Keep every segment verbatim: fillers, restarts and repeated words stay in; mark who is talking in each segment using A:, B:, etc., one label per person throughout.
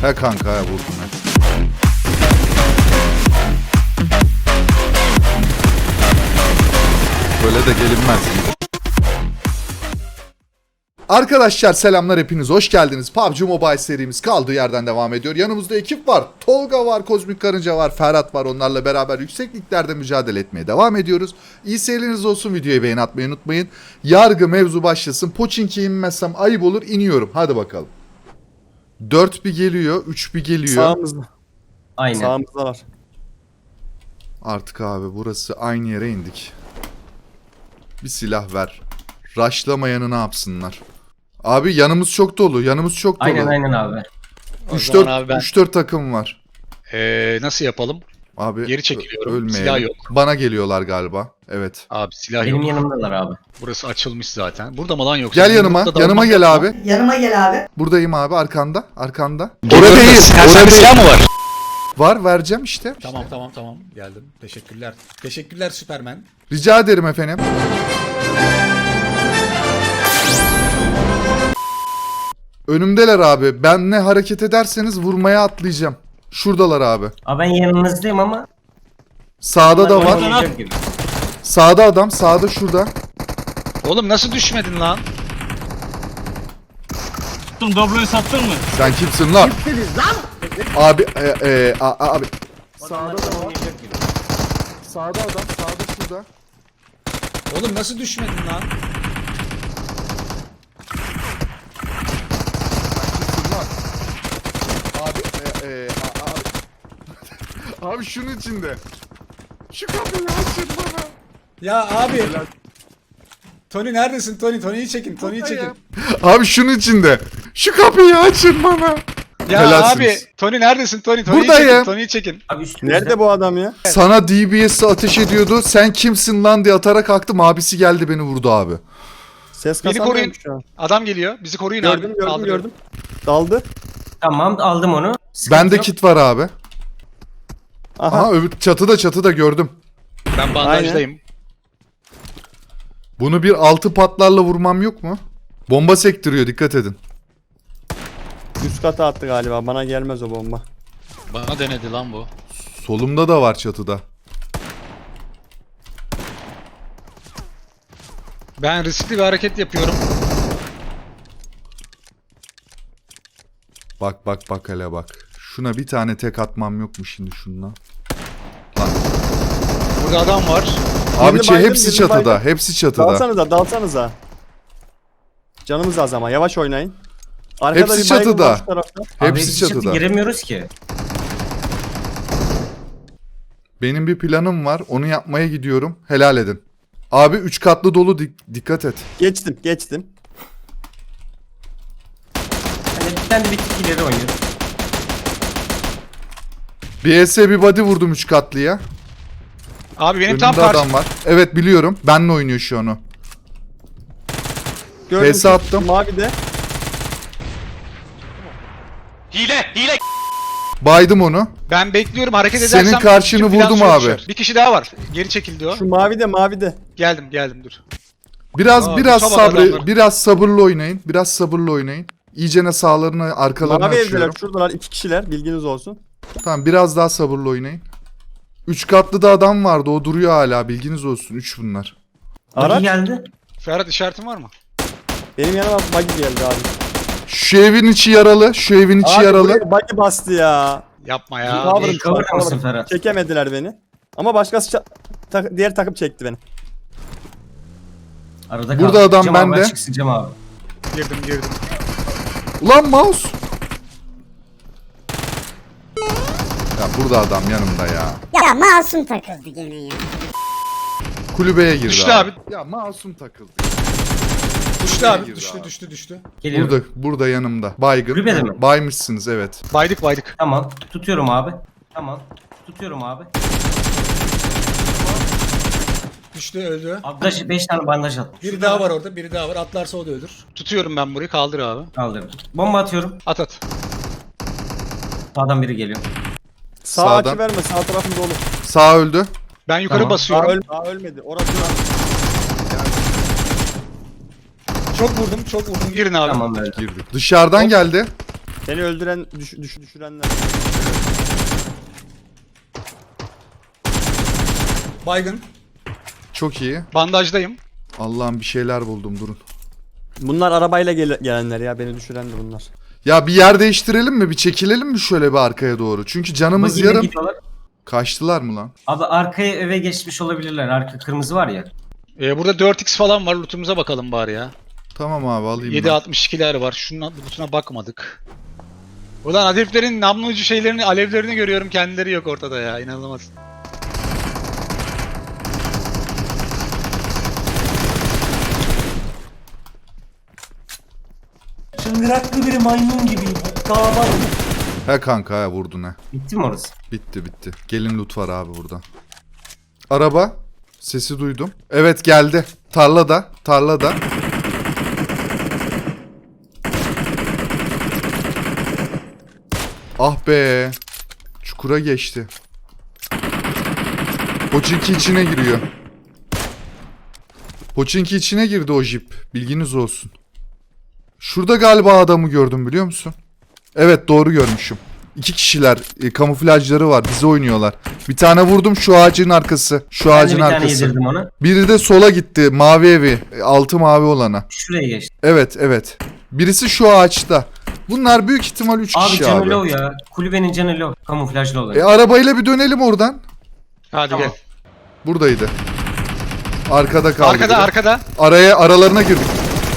A: He kanka he vurdum ben. Böyle de gelinmez. Arkadaşlar selamlar, hepiniz hoş geldiniz. P U B G Mobile serimiz kaldığı yerden devam ediyor. Yanımızda ekip var. Tolga var, Kozmik Karınca var, Ferhat var. Onlarla beraber yüksekliklerde mücadele etmeye devam ediyoruz. İyi seyirleriniz olsun. Videoyu beğen atmayı unutmayın. Yargı mevzu başlasın. Pochinki'ye inmezsem ayıp olur. İniyorum. Hadi bakalım. dört bir geliyor. üç bir geliyor.
B: Sağımızda.
C: Aynen.
B: Sağımızda var.
A: Artık abi burası aynı yere indik. Bir silah ver. Rushlamayanı ne yapsınlar? Abi yanımız çok dolu. Yanımız çok dolu.
C: Aynen aynen abi.
A: üç
D: zaman abi ben-
A: dört takım var.
D: Ee, nasıl yapalım?
A: Abi
D: Geri çekiliyorum.
A: ö- ölmeyelim.
D: Silah yok.
A: Bana geliyorlar galiba. Evet.
D: Abi silah
C: Benim
D: yok.
C: yanımdalar abi.
D: Burası açılmış zaten. Burada mı lan yoksa?
A: Gel yanıma.
D: Yumrukla
A: Yanıma
D: dalmak
A: gel
D: yok
A: abi.
D: mu?
E: Yanıma gel abi.
A: Buradayım abi, arkanda. Arkanda.
D: Orada
A: Orada değil.
D: silah,
A: Orada
D: sende
A: değil.
D: silah mı var?
A: Var, vereceğim işte.
F: Tamam tamam tamam geldim. Teşekkürler. Teşekkürler Süpermen.
A: Rica ederim efendim. Önümdeler abi. Ben ne hareket ederseniz vurmaya atlayacağım. Şuradalar abi.
C: Abi ben yanınızdayım ama.
A: Sağda da var.
C: Oynayacak gibi.
A: Sağda adam. Sağda şurada.
D: Oğlum nasıl düşmedin lan?
G: Dobloyu sattın mı?
A: Sen kimsin lan? Abi e, e, a- abi. Sağda da var.
C: Oynayacak gibi.
A: Sağda adam. Sağda şurada.
F: Oğlum nasıl düşmedin lan?
A: Kimsin lan? Abi e, e, a- abi. Abi şunun içinde. Şu kapıyı açın bana.
F: Ya abi. Tony neredesin Tony? Tony'yi çekin. Tony'yi çekin.
A: Abi şunun içinde. Şu kapıyı açın bana.
D: Ya
A: Helalsiniz.
D: abi Tony neredesin Tony? Tony'yi
A: Buradayım.
D: çekin. Tony'yi çekin.
C: Abi üstümüzde.
B: Nerede bu adam ya?
A: Sana D B S'i ateş ediyordu. Sen kimsin lan diye atarak kalktım. Abisi geldi beni vurdu abi.
B: Ses
D: Beni
B: kasamıyorum
D: koruyun.
B: şu an.
D: Adam geliyor. Bizi koruyun
B: Gördüm
D: abi.
B: gördüm
D: Kaldırıyorum.
B: gördüm. Daldı.
C: Tamam aldım onu. Sıkıntı
A: Bende
C: yok.
A: kit var abi.
B: Aha.
A: Aha öbür çatıda çatıda gördüm.
D: Ben bandajdayım.
A: Bunu bir altı patlarla vurmam yok mu? Bomba sektiriyor, dikkat edin.
B: Üst kata attı galiba. Bana gelmez o bomba.
D: Bana denedi lan bu.
A: Solumda da var çatıda.
D: Ben riskli bir hareket yapıyorum.
A: Bak bak bak hele bak. Şuna bir tane tek atmam yok mu şimdi şununla?
D: Burada adam var.
A: Abi
B: Birini
A: çe-
B: baydım,
A: hepsi
B: birini
A: çatıda.
B: baydım.
A: Hepsi çatıda.
B: Dalsanıza dalsanıza. Canımız az ama yavaş oynayın. Arkada
A: Hepsi
B: bir baygın
A: çatıda.
B: var şu tarafta.
C: Abi
A: Hepsi
C: hepsi çatı
A: çatıda.
C: giremiyoruz ki.
A: Benim bir planım var. Onu yapmaya gidiyorum. Helal edin. Abi üç katlı dolu, dik- dikkat et.
B: Geçtim geçtim.
C: Hani bir tane de bir tık ileri oynuyor.
A: Bir S bir body vurdum üç katlıya.
D: Abi benim
A: Önümde
D: tam karşı.
A: adam var. Evet biliyorum. Benle oynuyor şu an o.
B: Gördüm.
A: P S attım.
B: Mavi de.
D: Hile! Hile!
A: Baydım onu.
D: Ben bekliyorum hareket
A: Senin
D: edersem.
A: karşını
D: bütün plan
A: vurdum
D: suya
A: abi.
D: düşer. Bir kişi daha var. Geri çekildi o.
B: Şu mavi de mavi de.
D: Geldim geldim dur.
A: Biraz
D: Aa,
A: biraz
D: Mustafa
A: sabır
D: adamlar.
A: biraz sabırlı oynayın. Biraz sabırlı oynayın. İyicene sağlarını, arkalarını
B: Mavi evdeler.
A: açıyorum.
B: Şuradalar iki kişiler. Bilginiz olsun.
A: Tamam, biraz daha sabırlı oynayın. Üç katlı da adam vardı. O duruyor hala. Bilginiz olsun. Üç bunlar.
C: Araç
B: Araç.
C: geldi.
D: Ferhat işaretin var mı?
B: Benim yanıma buggy geldi abi.
A: Şu evin içi yaralı. Şu evin içi
B: Abi
A: yaralı.
B: buraya buggy bastı ya.
D: Yapma ya.
B: Abi,
C: Abi cover mısın Ferhat?
B: Çekemediler beni. Ama başkası ça- ta- diğer takım çekti beni.
C: Arada
A: Burada
C: kaldı.
A: adam
C: Cem abi,
A: bende.
C: açık sıcam abi.
D: Girdim girdim.
A: Ulan mouse. Ya burada adam yanımda ya.
E: Ya masum takıldı gene ya.
A: Kulübeye girdi
D: Düştü
A: abi.
D: abi.
A: Ya masum takıldı.
F: Düştü abi.
A: Girdi
F: Düştü
A: abi.
F: düştü düştü.
C: Geliyorum.
A: Burada burada yanımda. Baygın.
C: Kulübede mi?
A: Baymışsınız evet.
D: Baydık baydık.
C: Tamam. Tutuyorum abi. Tamam. Tutuyorum abi.
F: Düştü öldü.
C: Bandaj beş tane bandaj at.
F: Biri daha var orada. Biri daha var. Atlarsa o da ölür.
D: Tutuyorum ben burayı, kaldır abi.
C: Kaldırdım. Bomba atıyorum.
D: At at.
C: Sağdan biri geliyor.
B: Sağ
A: Sağdan.
B: açı verme. Sağ tarafım dolu.
A: Sağ öldü.
D: Ben yukarı
C: Tamam.
B: Daha,
D: basıyorum.
B: öl daha ölmedi. Orası
F: Çok vurdum. Çok vurdum.
D: Girin abi.
C: Tamam öyle.
A: Girdi. Dışarıdan geldi.
B: Seni öldüren, düş, düş, düşürenler.
F: Baygın.
A: Çok iyi.
D: Bandajdayım.
A: Allah'ım bir şeyler buldum, durun.
B: Bunlar arabayla gele- gelenler ya, beni düşüren de bunlar.
A: Ya bir yer değiştirelim mi? Bir çekilelim mi şöyle bir arkaya doğru? Çünkü canımız
C: Bagiyle
A: yarım.
C: gidiyorlar.
A: Kaçtılar mı lan?
C: Abi arkaya eve geçmiş olabilirler. Arka kırmızı var ya.
D: Ee, burada dört x falan var. Loot'umuza bakalım bari ya.
A: Tamam abi, alayım
D: yedi
A: ben.
D: altmış ikiler var. Şunun loot'una bakmadık. Ulan heriflerin namlu ucu şeylerini, alevlerini görüyorum. Kendileri yok ortada ya. İnanılmaz.
C: Çıngıraklı bir maymun gibi. Dağlar.
A: He kanka, he vurdun he.
C: Bitti mi orası?
A: Bitti bitti. Gelin loot var abi burada. Araba. Sesi duydum. Evet geldi. Tarlada. Tarlada. Ah be. Çukura geçti. Poçinki içine giriyor. Poçinki içine girdi o jip. Bilginiz olsun. Şurada galiba adamı gördüm, biliyor musun? Evet, doğru görmüşüm. İki kişiler, e, kamuflajları var, bize oynuyorlar. Bir tane vurdum, şu ağacın arkası. Şu
C: Ben de
A: ağacın
C: bir tane
A: arkası.
C: yedirdim ona.
A: Biri de sola gitti, mavi evi. e, Altı mavi olana.
C: Şuraya geçti.
A: Evet evet. Birisi şu ağaçta. Bunlar büyük ihtimal üç
C: Abi
A: kişi
C: canı
A: abi.
C: low ya. Kulübenin canı low. Kamuflajlı olan.
A: E arabayla bir dönelim oradan.
D: Hadi
C: Tamam.
D: gel.
A: Buradaydı. Arkada kaldı.
D: Arkada
A: biri.
D: arkada.
A: Araya aralarına girdik.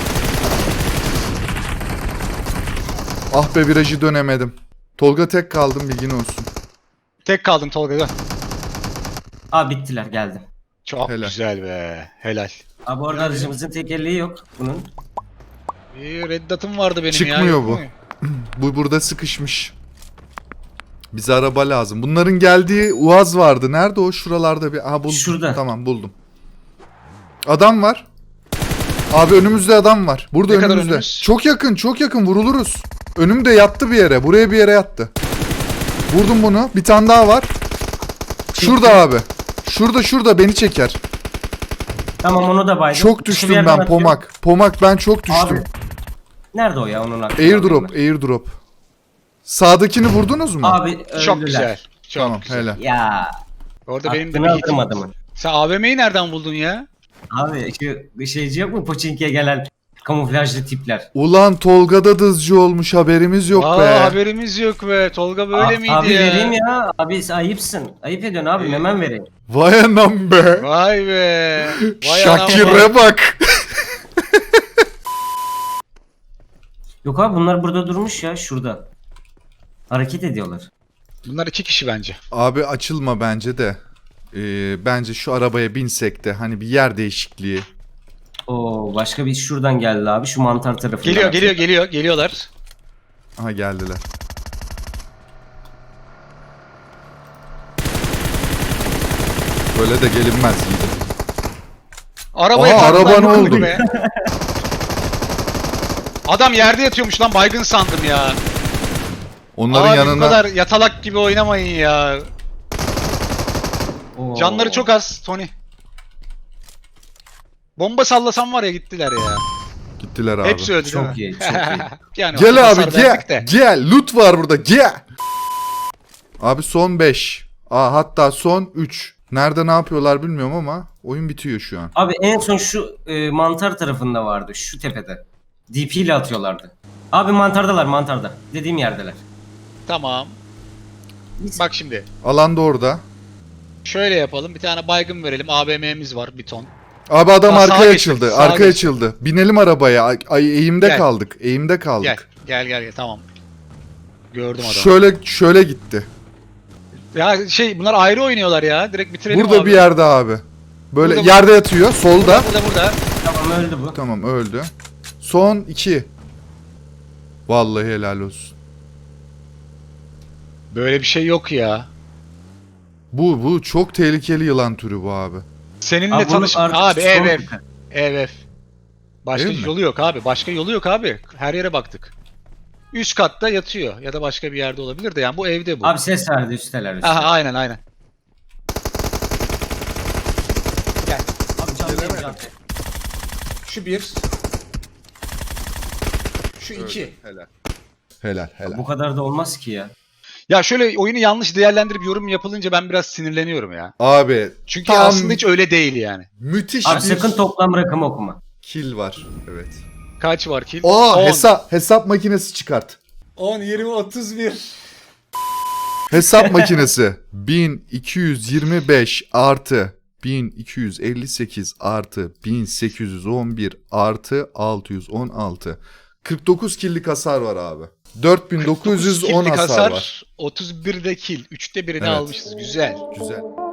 A: Ah be, virajı dönemedim. Tolga tek kaldım, bilgin olsun.
D: Tek kaldın Tolga. Gel.
C: Abi bittiler geldim.
D: Çok
A: Helal.
D: güzel be. Helal.
C: Abi orada aracımızın tekerleği yok bunun.
D: Bir red dot'um vardı benim ya.
A: Çıkmıyor
D: yok
A: bu.
D: mu?
A: Bu burada sıkışmış. Bize araba lazım. Bunların geldiği Uaz vardı. Nerede o? Şuralarda bir. Aha buldum.
C: Şurada.
A: Tamam, buldum. Adam var. Abi önümüzde adam var. Burada
D: Ne kadar
A: önümüzde.
D: önümüz?
A: Çok yakın, çok yakın, vuruluruz. Önümde yattı bir yere. Buraya bir yere yattı. Vurdum bunu. Bir tane daha var. Şurada abi. Şurada şurada beni çeker.
C: Tamam onu da baydım.
A: Çok
C: Şu
A: düştüm
C: bir yerden
A: ben
C: atıyor.
A: Pomak. Pomak ben çok düştüm.
C: Abi. Nerede o ya onun hakkında?
A: Airdrop, airdrop. Sağdakini vurdunuz mu?
C: Abi öldüler.
D: Çok güzel. Çok
A: Tamam,
D: güzel.
A: helal.
C: Ya.
D: Orada benim de
C: Aklını
D: bir
C: alırım
D: hitim.
C: adamı.
D: Sen A V M'yi nereden buldun ya?
C: Abi şu şeyci yok mu? Poçinki'ye gelen kamuflajlı tipler.
A: Ulan Tolga'da dızcı olmuş, haberimiz yok
D: Aa,
A: be.
D: haberimiz yok be. Tolga böyle
C: Abi-
D: miydi
C: abi
D: ya?
C: vereyim ya. Abi sen ayıpsın. Ayıp ediyorsun abi.
D: Ee,
C: Hemen vereyim.
A: Vay anam be.
D: Vay be. Vay anam vay.
A: Şakir'e bak.
C: Yok abi bunlar burada durmuş ya şurada. Hareket ediyorlar.
D: Bunlar iki kişi bence.
A: Abi açılma bence de. Ee, bence şu arabaya binsek de hani bir yer değişikliği.
C: Oo başka bir şuradan geldi abi. Şu mantar tarafından.
D: Geliyor geliyor geliyor. Geliyorlar.
A: Aha geldiler. Böyle de gelinmez yiğidim.
D: Arabaya
A: Aa,
D: taktılar,
A: araba ne
D: yok
A: oldu?
D: be. Adam yerde yatıyormuş lan, baygın sandım ya.
A: Onların
D: Abi bu
A: yanına
D: kadar yatalak gibi oynamayın ya.
C: Oo.
D: Canları çok az Tony. Bomba sallasam var ya, gittiler ya.
A: gittiler abi.
D: Hepsi öldü değil
C: Çok
D: mi?
C: iyi, çok iyi.
D: Yani o
A: Gel
D: hasar
A: abi gel.
D: verdik de.
A: Gel. Loot var burada. Gel. Abi son beş. Aa, hatta son üç. Nerede ne yapıyorlar bilmiyorum ama oyun bitiyor şu an.
C: Abi en son şu e, mantar tarafında vardı. Şu tepede. D P ile atıyorlardı. Abi mantardalar mantarda. Dediğim yerdeler.
D: Tamam. Bak şimdi.
A: Alan da orada.
D: Şöyle yapalım. Bir tane baygın verelim. A V M'miz var bir ton.
A: Abi adam
D: Aa, sağa
A: arkaya
D: geçti,
A: açıldı.
D: sağa
A: Arkaya
D: geçti.
A: açıldı. Binelim arabaya. Ay, ay, eğimde
D: Gel.
A: kaldık. Eğimde kaldık.
D: Gel. Gel gel gel. Tamam. Gördüm adamı.
A: Şöyle şöyle gitti.
D: Ya şey, bunlar ayrı oynuyorlar ya. Direkt bitirelim
A: Burada
D: abi.
A: bir yerde abi. Böyle
D: Burada,
A: yerde yatıyor. Solda.
D: Burada burada.
C: Tamam öldü bu.
A: Tamam, öldü. Son iki. Vallahi helal olsun.
D: Böyle bir şey yok ya.
A: Bu bu çok tehlikeli yılan türü bu abi.
D: Seninle
C: Abi bunun
D: tanış...
C: arkası
D: Abi
C: son
D: ev ev.
C: tepe.
D: Ev ev. Başka
A: Ev mi?
D: yolu yok abi. Başka yolu yok abi. Her yere baktık. Üst katta yatıyor. Ya da başka bir yerde olabilir de yani bu evde bu.
C: Abi ses verdi üsteler üsteler.
D: Aha, aynen aynen. Gel.
C: Abi canlı canlı.
F: Şu bir. Şu iki.
A: Helal. Helal helal.
C: Bu kadar da olmaz ki ya.
D: Ya şöyle oyunu yanlış değerlendirip yorum yapılınca ben biraz sinirleniyorum ya.
A: Abi
D: Çünkü
A: tam
D: aslında hiç öyle değil yani.
A: müthiş
C: Abi
A: bir
C: sakın toplam rakamı okuma.
A: kill var. Evet.
D: Kaç var kill?
A: Aa
D: On.
A: hesap hesap makinesi çıkart.
F: on, yirmi, otuz bir.
A: Hesap makinesi bin iki yüz yirmi beş artı bin iki yüz elli sekiz artı bin sekiz yüz on bir artı altı yüz on altı. kırk dokuz killik hasar var abi. dört bin dokuz yüz on
D: kill'lik
A: hasar var.
D: otuz bir de kill. üçte birini
A: Evet.
D: almışız. Güzel.
A: Güzel.